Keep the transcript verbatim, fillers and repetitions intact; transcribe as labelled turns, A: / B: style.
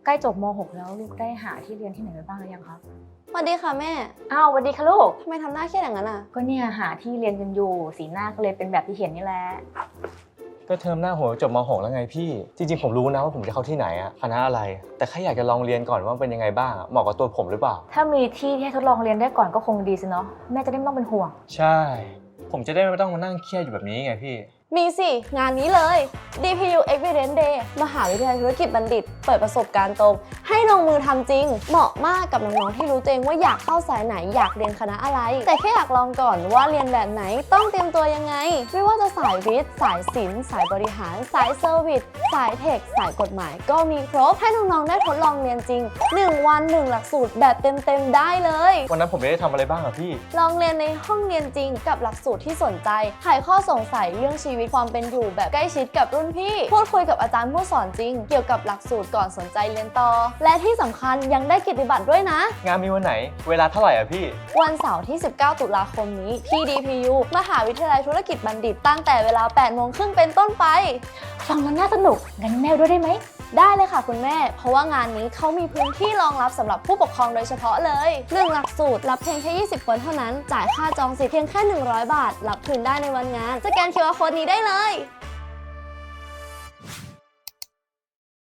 A: ล้จบม หก แล้วลูกได้หาที่เรียนที่ไหนไปบ้างหรือยังครับ
B: สวัสดีค่ะแม่
A: อ้าวสวัสดีค่ะลูก
B: ทำไมทำหน้าเครียดอย่างนั้นอ่ะ
A: ก็เนี่ยหาที่เรียนกันอยู่สีหน้าก็เลยเป็นแบบที่เห็นนี่แหละ
C: ก็เทอมหน้าผมจบม หก แล้วไงพี่จริงๆผมรู้นะว่าผมจะเข้าที่ไหนอะคณะอะไรแต่แค่อยากจะลองเรียนก่อนว่าเป็นยังไงบ้างเหมาะกับตัวผมหรือเปล่า
A: ถ้ามีที่ที่ให้ทดลองเรียนได้ก่อนก็คงดีสิเนาะแม่จะได้ไม่ต้องเป็นห่วง
C: ใช่ผมจะได้ไม่ต้องมานั่งเครียดอยู่แบบนี้ไงพี่
B: มีสิงานนี้เลย ดี พี ยู Evidence Day มหาวิทยาลัยธุรกิจบัณฑิตเปิดประสบการณ์ตรงให้ลงมือทำจริงเหมาะมากกับน้องๆที่รู้ตัวเองว่าอยากเข้าสายไหนอยากเรียนคณะอะไรแต่แค่อยากลองก่อนว่าเรียนแบบไหนต้องเตรียมตัวยังไงไม่ว่าจะสายวิทย์สายศิลป์สายบริหารสายเซอร์วิสสายเทคสายกฎหมายก็มีครบให้น้องๆได้ทดลองเรียนจริงหนึ่งวันหนึ่งหลักสูตรแบบเต็มๆได้เลย
C: วันนั้นผมไม่ได้ทำอะไรบ้างอะพี่
B: ลองเรียนในห้องเรียนจริงกับหลักสูตรที่สนใจไขข้อสงสัยเรื่องชีวิตความเป็นอยู่แบบใกล้ชิดกับรุ่นพี่พูดคุยกับอาจารย์ผู้สอนจริงเกี่ยวกับหลักสูตรก่อนสนใจเรียนต่อและที่สำคัญยังได้กิตติบัตรด้วยนะ
C: งานมีวันไหนเวลาเท่าไหร่อะพี่
B: วันเสาร์ที่ สิบเก้า ตุลาคมนี้ที่ ดี พี ยู มหาวิทยาลัยธุรกิจบัณฑิตตั้งแต่เวลา แปดโมงครึ่งเป็นต้นไป
A: ฟังแล้วน่าสนุกงั้นแม่ด้วยได้ไหม
B: ได้เลยค่ะคุณแม่เพราะว่างานนี้เขามีพื้นที่รองรับสำหรับผู้ปกครองโดยเฉพาะเลยหนึ่งหลักสูตรรับเพียงแค่ยี่สิบคนเท่านั้นจ่ายค่าจองสิทธิ์เพียงแค่หนึ่งร้อยบาทรับคืนได้ในวันงานสแกน คิว อาร์ Code นี้ได้เลย